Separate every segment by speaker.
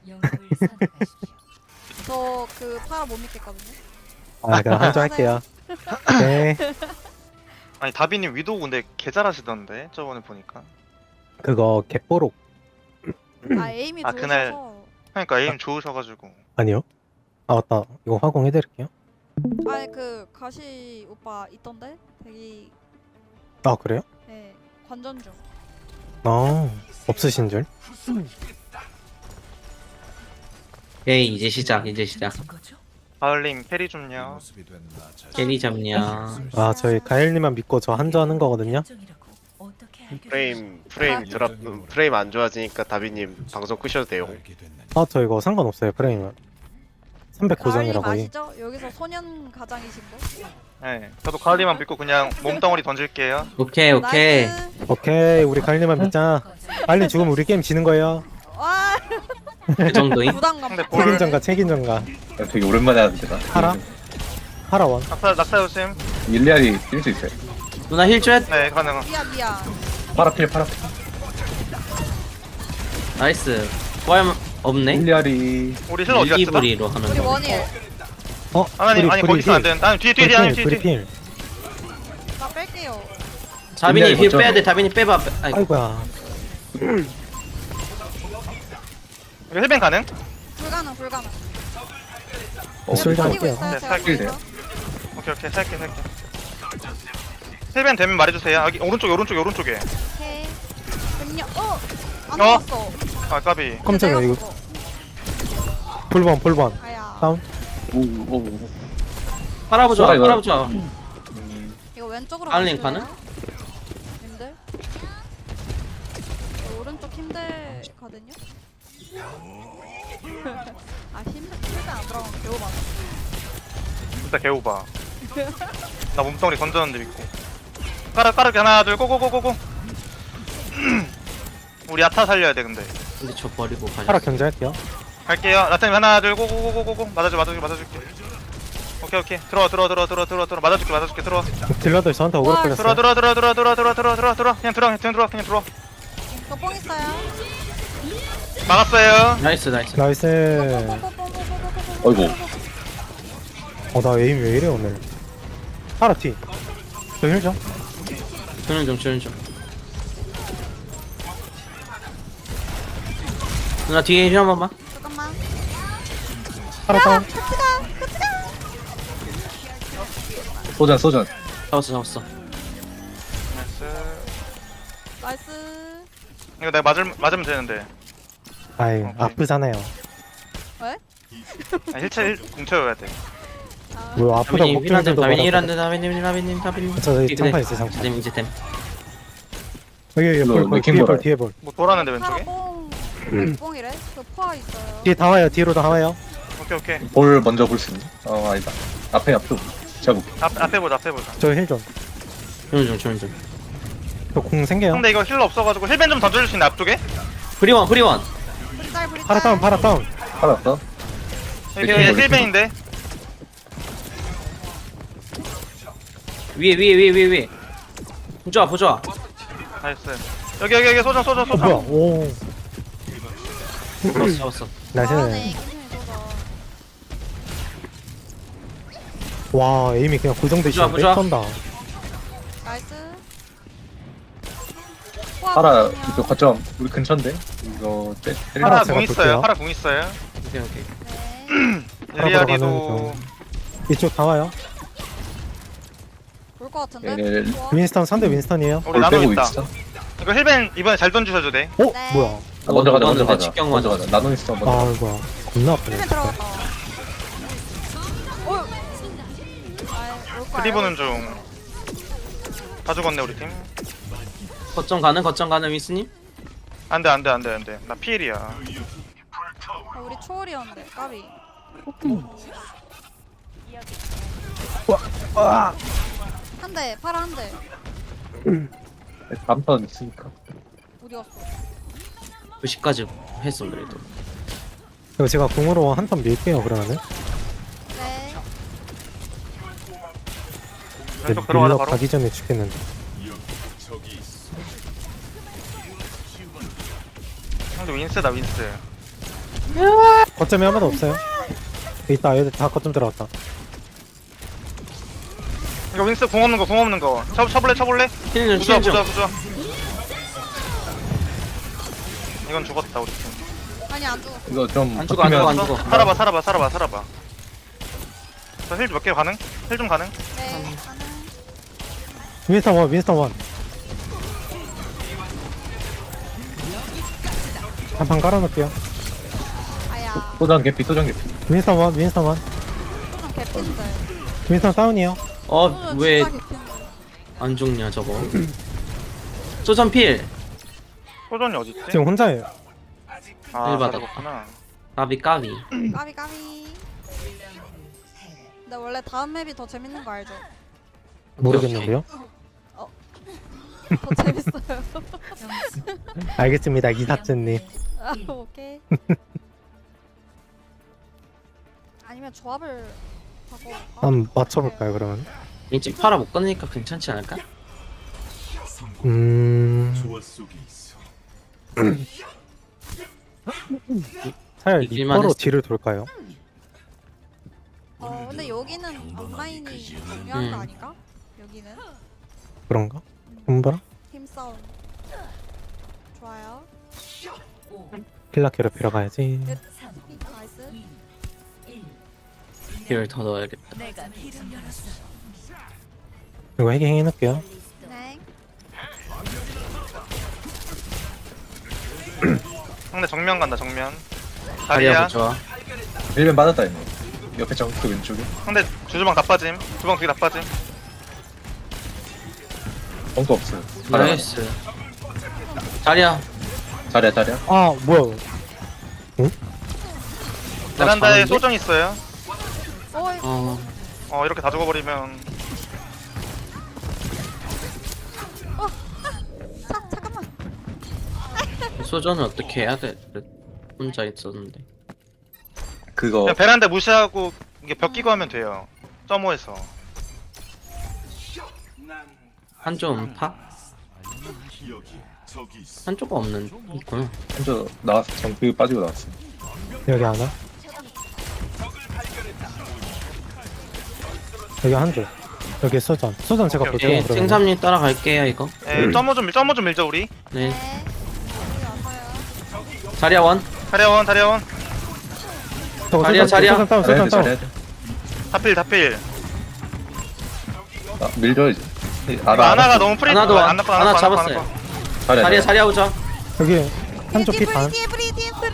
Speaker 1: 저 그 파라 못 믿겠거든요.
Speaker 2: 아 그럼 한조 할게요. 네.
Speaker 3: 아니 다비님 위도우 근데 개 잘하시던데 저번에 보니까.
Speaker 2: 그거 갯보록
Speaker 1: 아 에임이
Speaker 3: 아, 그날-
Speaker 1: 좋으셔서.
Speaker 3: 그러니까 에임 좋으셔가지고.
Speaker 2: 아니요? 아 맞다. 이거 화공해드릴게요.
Speaker 1: 아니 그 가시 오빠 있던데 되게
Speaker 2: 아 그래요?
Speaker 1: 네 관전 중.
Speaker 2: 아 없으신 줄?
Speaker 4: 오케이 이제 시작 이제 시작
Speaker 3: 가을님 캐리 좀요.
Speaker 4: 캐리 잡냐
Speaker 2: 아 저희 가일님만 믿고 저 한조 하는 거거든요.
Speaker 5: 프레임
Speaker 1: 아.
Speaker 5: 드랍 프레임 안 좋아지니까 다비님 방송 끄셔도 돼요.
Speaker 2: 아 저 이거 상관없어요 프레임은. 300
Speaker 1: 가을님
Speaker 2: 고정이라고.
Speaker 1: 아시죠? 여기서 소년 가장이신 거.
Speaker 3: 네, 저도 가을님만 믿고 그냥 몸덩어리 던질게요.
Speaker 4: 오케이 오케이
Speaker 1: 나이스.
Speaker 2: 오케이 우리 가일님만 믿자. 빨리 죽으면 우리 게임 지는 거예요.
Speaker 1: 와
Speaker 4: 그 정도임?
Speaker 1: 부담감.
Speaker 3: 근데 볼
Speaker 2: 책임전가 책임전가.
Speaker 6: 되게 오랜만에 하는데 나.
Speaker 2: 파라? 파라원.
Speaker 3: 낙사 요심.
Speaker 6: 일리알이 뛸 수 있어요.
Speaker 4: 누나 힐줘야
Speaker 3: 네, 가능.
Speaker 1: 미안.
Speaker 6: 파라필 파라필.
Speaker 4: 나이스 부활 없네?
Speaker 6: 일리알이
Speaker 3: 우리 힐러 어디 갔어?
Speaker 4: 이기브리로 하는
Speaker 1: 우리
Speaker 4: 거
Speaker 1: 원일.
Speaker 2: 어?
Speaker 3: 아니 아니 거기 있으면 안 되는. 아니 뒤에 아니
Speaker 2: 브리
Speaker 3: 뒤에.
Speaker 2: 필.
Speaker 1: 나 뺄게요.
Speaker 4: 다빈이
Speaker 6: 일리알
Speaker 4: 힐
Speaker 6: 먼저.
Speaker 4: 빼야돼 다빈이 빼봐 아이고
Speaker 2: 아이고야.
Speaker 3: 이거 힐뱅 가능?
Speaker 1: 불가능.
Speaker 2: 술좀
Speaker 1: 가지고
Speaker 2: 할게요.
Speaker 1: 있어요.
Speaker 3: 네,
Speaker 1: 제가
Speaker 6: 살길
Speaker 1: 거기서.
Speaker 3: 오케이 살게. 힐뱅 되면 말해주세요. 여기 오른쪽에.
Speaker 1: 오케이. 안
Speaker 3: 어?
Speaker 1: 나왔어.
Speaker 3: 아 까비.
Speaker 2: 깜짝이야
Speaker 1: 내가
Speaker 2: 이거.
Speaker 1: 먹어.
Speaker 2: 볼번.
Speaker 1: 아야.
Speaker 2: 다운.
Speaker 6: 오오.
Speaker 4: 팔아보자
Speaker 6: 뭐야, 이거?
Speaker 4: 팔아보자
Speaker 1: 이거 왼쪽으로
Speaker 4: 알린
Speaker 1: 가실래요?
Speaker 4: 가능?
Speaker 1: 님들? 저 오른쪽 힘들거든요? 아 힘들 안 들어가면 겨우 맞아.
Speaker 3: 진짜 개오바. 나 몸덩어리 던졌는데 믿고. 까르 하나 둘 고고고고고. 우리 야타 살려야 돼 근데.
Speaker 4: 근데 저 버리고 가자
Speaker 2: 파라 견제할게요.
Speaker 3: 갈게요. 라타님 하나 둘 고고고고고. 맞아줄게. 오케이. 들어와. 맞아줄게. 들어와.
Speaker 2: 딜러들 저한테 오그로
Speaker 1: 와,
Speaker 2: 끌렸어요.
Speaker 3: 들어와. 그냥 들어와.
Speaker 1: 저뽕 있어요.
Speaker 3: 막았어요.
Speaker 4: 나이스
Speaker 2: 나이스.
Speaker 6: 어이구.
Speaker 2: 나 에임 왜 이래 오늘. 파라 티. 저 힐죠?
Speaker 4: 주는 좀 누나 뒤에 힐 한 번만
Speaker 1: 잠깐만.
Speaker 2: 파라 다운.
Speaker 6: 소전.
Speaker 4: 잡았어
Speaker 1: 나이스.
Speaker 3: 이거 내가 맞으면 되는데.
Speaker 2: 아이
Speaker 3: 오케이.
Speaker 2: 아프잖아요.
Speaker 3: 힐 공쳐야 돼.
Speaker 1: 아,
Speaker 2: 뭐 아프다고
Speaker 4: 다빈이
Speaker 2: 목줄
Speaker 4: 힐한대
Speaker 2: 들고
Speaker 4: 다빈이
Speaker 2: 말하고.
Speaker 4: 힐한대 다빈이
Speaker 2: 저 여기 장판 있어요 장판.
Speaker 4: 이제 템
Speaker 2: 여기
Speaker 6: 이거
Speaker 2: 볼
Speaker 6: 맥힌
Speaker 2: 뒤에 볼
Speaker 6: 거라.
Speaker 2: 뒤에 볼.
Speaker 3: 뭐 돌았는데
Speaker 1: 파라
Speaker 3: 왼쪽에?
Speaker 1: 뽕이래? 그 포화 있어요.
Speaker 2: 뒤에 다 와요. 뒤로 다 와요.
Speaker 3: 오케이.
Speaker 6: 볼 먼저 볼 수 있니? 아니다. 앞에 제가 볼게.
Speaker 3: 앞에 보자.
Speaker 2: 저 힐 좀.
Speaker 4: 주는 좀
Speaker 2: 저 공 생겨요.
Speaker 3: 근데 이거 힐러 없어가지고 힐벤 좀 던져줄 수 있나 앞쪽에?
Speaker 4: 프리원
Speaker 1: 브리짤.
Speaker 2: 파라 다운.
Speaker 6: 팔았어?
Speaker 3: 여기
Speaker 6: 맥힌 거,
Speaker 3: 힐벤인데.
Speaker 4: 위에 보자
Speaker 3: 나이스. 여기 소전.
Speaker 2: 뭐야? 오.
Speaker 4: 잡았어
Speaker 2: 나이스.
Speaker 1: 잘하네. 괜찮이 쏘자.
Speaker 2: 와 에임이 그냥 고정되시는데
Speaker 4: 보자.
Speaker 2: 쏜다.
Speaker 1: 나이스.
Speaker 6: 파라 이거 거점 우리 근처인데 이거
Speaker 2: 파라
Speaker 3: 파라
Speaker 2: 제가
Speaker 3: 궁 있어요.
Speaker 2: 볼게요.
Speaker 3: 파라 궁 있어요.
Speaker 4: 오케이
Speaker 1: 네.
Speaker 3: 일리아리도
Speaker 2: 이쪽 다 와요.
Speaker 1: 볼것 같은데?
Speaker 6: 네,
Speaker 1: 포화?
Speaker 2: 윈스턴 상대 윈스턴이에요.
Speaker 3: 우리
Speaker 6: 볼
Speaker 3: 나노
Speaker 6: 빼고
Speaker 3: 있다.
Speaker 6: 있어.
Speaker 3: 이거 힐벤 이번에 잘 던지셔도 돼.
Speaker 2: 어?
Speaker 1: 네.
Speaker 2: 뭐야?
Speaker 6: 먼저 가자.
Speaker 4: 넣었는데 직경
Speaker 6: 먼저
Speaker 4: 맞았어.
Speaker 6: 가자. 나노 있어 먼저.
Speaker 2: 아 이거 겁나 아프네.
Speaker 1: 힐맨
Speaker 2: 진짜.
Speaker 1: 들어갔다. 어. 아이, 올 거야.
Speaker 3: 클리버는 좀. 다 죽었네 우리 팀.
Speaker 4: 거점 가는 위스님
Speaker 3: 안돼. 나 피일이야.
Speaker 1: 아, 우리 초월이었는데 까비. 한 대, 파라 한 대.
Speaker 6: 다음 턴 있으니까.
Speaker 1: 어디 갔어?
Speaker 4: 90까지 했어 그래도
Speaker 2: 이거 제가 공으로 한 턴 밀게요 그러면은.
Speaker 1: 네.
Speaker 3: 왼쪽 들어가자
Speaker 2: 밀러
Speaker 3: 바로.
Speaker 2: 가기 전에 죽겠는데.
Speaker 3: 근데 윈스다 윈스.
Speaker 4: 야
Speaker 2: 거점이 아무도 없어요. 있다, 얘들 다 거점 들어왔다.
Speaker 3: 이거 윈스 공 없는 거 쳐볼래?
Speaker 4: 힐좀
Speaker 3: 부자
Speaker 4: 힐좀
Speaker 3: 이건 죽었다 우리 팀.
Speaker 1: 아니 안 죽어.
Speaker 6: 이거 좀
Speaker 4: 안 죽어 안 죽어 안 죽어.
Speaker 3: 살아봐. 저 힐 몇 개 가능? 힐 좀 가능?
Speaker 1: 네. 가능.
Speaker 2: 윈스턴 원. 한판 깔아놓을게요.
Speaker 1: 아야.
Speaker 6: 소장 개피.
Speaker 2: 윈스턴 원.
Speaker 1: 소좀 개핀데.
Speaker 2: 윈스턴 다운이요.
Speaker 1: 소좀
Speaker 4: 왜
Speaker 1: 진짜
Speaker 4: 안
Speaker 1: 개핀데.
Speaker 4: 죽냐 저거. 소전 필.
Speaker 3: 소전이 어딨지?
Speaker 2: 지금 혼자예요.
Speaker 3: 아
Speaker 4: 힐 받아.
Speaker 3: 받았구나.
Speaker 4: 까비.
Speaker 1: 까비. 근데 원래 다음 맵이 더 재밌는 거 알죠?
Speaker 2: 모르겠는데요.
Speaker 1: 더 재밌어요.
Speaker 2: 알겠습니다, 이사츠님.
Speaker 1: 아, 오케이. 아니면 조합을 하고.
Speaker 2: 한번 맞춰볼까요, 그러면?
Speaker 4: 왠지 팔아 못 끊으니까 괜찮지 않을까?
Speaker 2: 차라리
Speaker 4: 이길만
Speaker 2: 리퍼로
Speaker 4: 했어.
Speaker 2: 뒤를 돌까요?
Speaker 1: 근데 여기는 온라인이 중요한 거
Speaker 4: 음.
Speaker 1: 아닌가? 여기는
Speaker 2: 그런가? 손보라?
Speaker 1: 힘싸움. 좋아요.
Speaker 2: 킬라 괴롭히러 가야지.
Speaker 1: 나이스.
Speaker 4: 힐을 더 넣어야겠다.
Speaker 2: 이거 해킹 해놓을게요.
Speaker 1: 네.
Speaker 3: 상대 정면 간다 정면.
Speaker 4: 다리야
Speaker 3: 다리야.
Speaker 4: 좋아.
Speaker 6: 1면 맞았다 이거. 옆에 정크 왼쪽에.
Speaker 3: 상대 주주방 다 빠짐. 주방 두개 다 빠짐.
Speaker 6: 정크 없어요.
Speaker 4: 나이스. 자리야.
Speaker 6: 자리야.
Speaker 2: 아, 뭐야.
Speaker 3: 베란다에
Speaker 4: 자는데?
Speaker 3: 소전 있어요.
Speaker 1: 어이,
Speaker 3: 이렇게 다 죽어버리면
Speaker 1: 잠깐만.
Speaker 4: 소전은 어떻게 해야 돼? 혼자 있었는데.
Speaker 6: 그거
Speaker 3: 그냥 베란다 무시하고 이게 벽 끼고 하면 돼요. 점호에서.
Speaker 4: 한쪽 음파? 한쪽 없는 있구나.
Speaker 6: 먼저 나왔어. 정크 빠지고 나왔어.
Speaker 2: 여기 하나. 여기 한 줄. 여기 소전. 소전 제가
Speaker 3: 오케이,
Speaker 2: 볼게요.
Speaker 4: 예,
Speaker 2: 그러면.
Speaker 4: 생삼님 따라갈게요 이거.
Speaker 3: 점호 좀 밀자 우리.
Speaker 4: 네.
Speaker 1: 네. 여기 와서요.
Speaker 4: 자리야 원.
Speaker 3: 다리아원.
Speaker 2: 저거
Speaker 4: 자리야, 자리야.
Speaker 2: 소전 다운,
Speaker 6: 잘해야
Speaker 2: 소전
Speaker 6: 돼.
Speaker 2: 다운.
Speaker 6: 잘해야 돼.
Speaker 3: 다필.
Speaker 6: 아, 밀려야지.
Speaker 3: 이거 아나가 너무 프리.
Speaker 4: 아나도
Speaker 3: 안 났고,
Speaker 4: 아나 잡았어요. 자리야 자리야 오자.
Speaker 2: 여기 한쪽 피 반.
Speaker 1: 뒤에 브리.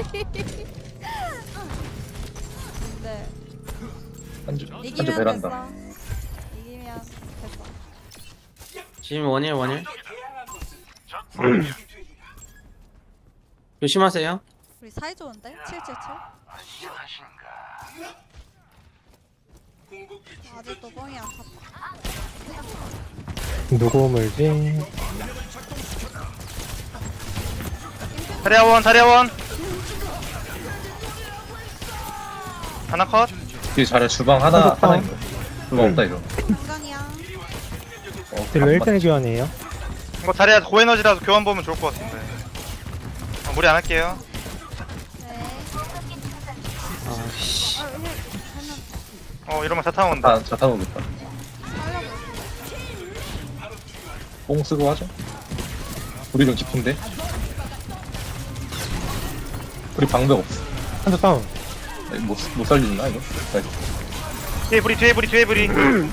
Speaker 1: 네.
Speaker 6: 한줄
Speaker 1: 이기면
Speaker 6: 베란다.
Speaker 1: 됐어. 이기면 됐어.
Speaker 4: 지금 원일. 조심하세요.
Speaker 1: 우리 사이 좋은데? 777. 아직도 뻥이 안 찼다.
Speaker 2: 누구 물지?
Speaker 3: 다리아원. 하나 컷.
Speaker 6: 뒤에 자리야. 주방 하나
Speaker 2: 다운.
Speaker 6: 있는 거. 주방 없다 이거.
Speaker 1: 인간이야.
Speaker 2: 딜로 1등 교환이에요.
Speaker 3: 이거 다리아 고에너지라서 교환 보면 좋을 것 같은데. 무리 안 할게요.
Speaker 1: 네.
Speaker 4: 아씨.
Speaker 3: 이러면 자타 온다.
Speaker 6: 자 타고 오겠다. 뽕 쓰고 하죠. 우리 좀 깊은데. 우리 방벽 없어.
Speaker 2: 한쪽 다운.
Speaker 6: 못 살리나 이거? 나이스.
Speaker 3: 뒤에 브리.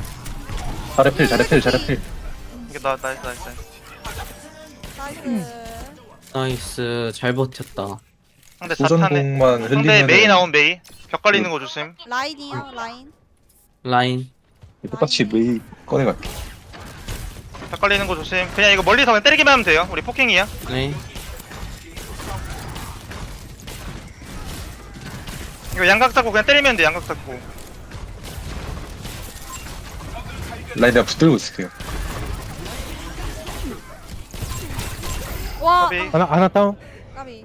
Speaker 6: 잘해 필.
Speaker 3: 이게 나이스.
Speaker 1: 나이스.
Speaker 4: 나이스 잘 버텼다.
Speaker 3: 상대 자타네.
Speaker 6: 도전공만
Speaker 3: 상대
Speaker 6: 흘리면
Speaker 3: 메이 나온 메이. 벽 걸리는 거 조심.
Speaker 1: 라인이요, 라인.
Speaker 4: 라인.
Speaker 6: 똑같이 메이 꺼내갈게.
Speaker 3: 벽 걸리는 거 조심. 그냥 이거 멀리서 그냥 때리기만 하면 돼요. 우리 포킹이야.
Speaker 4: 네.
Speaker 3: 이거 양각 잡고 그냥 때리면 돼. 양각 잡고.
Speaker 6: 라인 내가 붙들고 있을게요.
Speaker 1: 와,
Speaker 3: 까비.
Speaker 2: 하나 다운.
Speaker 1: 까비.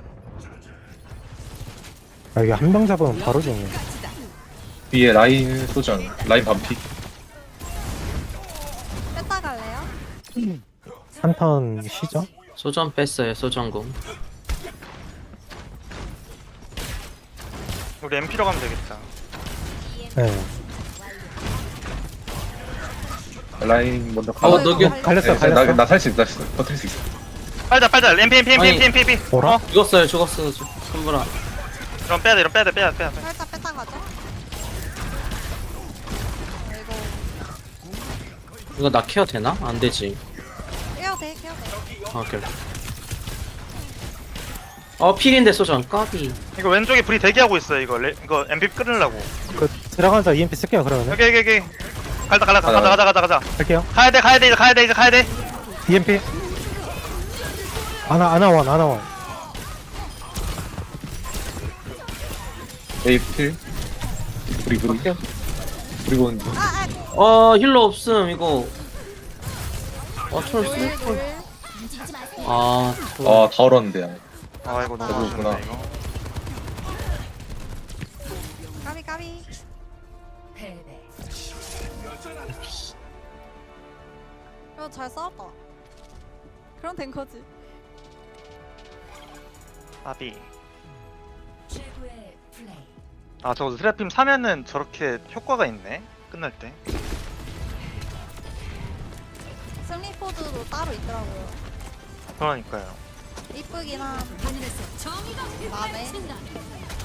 Speaker 2: 아, 여기 한 명 잡으면 바로 죽네.
Speaker 6: 위에 라인 소장, 라인 반피.
Speaker 1: 뺐다 갈래요?
Speaker 2: 한턴 쉬죠?
Speaker 4: 소전 뺐어요 소전공.
Speaker 3: 우리 MP로 가면 되겠다.
Speaker 2: 네.
Speaker 6: 라인 먼저 가.
Speaker 4: 녹여.
Speaker 2: 갈렸어.
Speaker 6: 나살 수 있어. 버틸 수 있어.
Speaker 3: 빨자 MP.
Speaker 2: 뭐라?
Speaker 4: 죽었어요 손보라.
Speaker 3: 이런 빼야 돼.
Speaker 1: 살짝 뺐다 가죠. 이거
Speaker 4: 이거 나 케어 되나? 안 되지.
Speaker 1: 깨야 돼.
Speaker 4: 아, 오케이. 필인데 소전 까비.
Speaker 3: 이거 왼쪽에 불이 대기하고 있어요. 이거 MP 끊으려고.
Speaker 2: 그 들어가자 EMP 쓸게요 그러면.
Speaker 3: 여기. 가자.
Speaker 2: 할게요.
Speaker 3: 가야 돼.
Speaker 2: EMP. 아나원.
Speaker 6: 에이필. 우리 보는 중.
Speaker 4: 힐러 없음 이거. 철
Speaker 1: 노일
Speaker 4: 쓸 걸.
Speaker 1: 노일.
Speaker 6: 다 얼었는데.
Speaker 3: 아 이거 너무
Speaker 6: 그렇구나.
Speaker 3: 아쉽네 이거.
Speaker 1: 까비. 잘 싸웠다. 그럼 된 거지.
Speaker 3: 아비. 아 저거 스래핌 사면은 저렇게 효과가 있네. 끝날 때.
Speaker 1: 승리 포즈도 따로 있더라고요.
Speaker 3: 그러니까요.
Speaker 1: 이쁘긴 한. 안에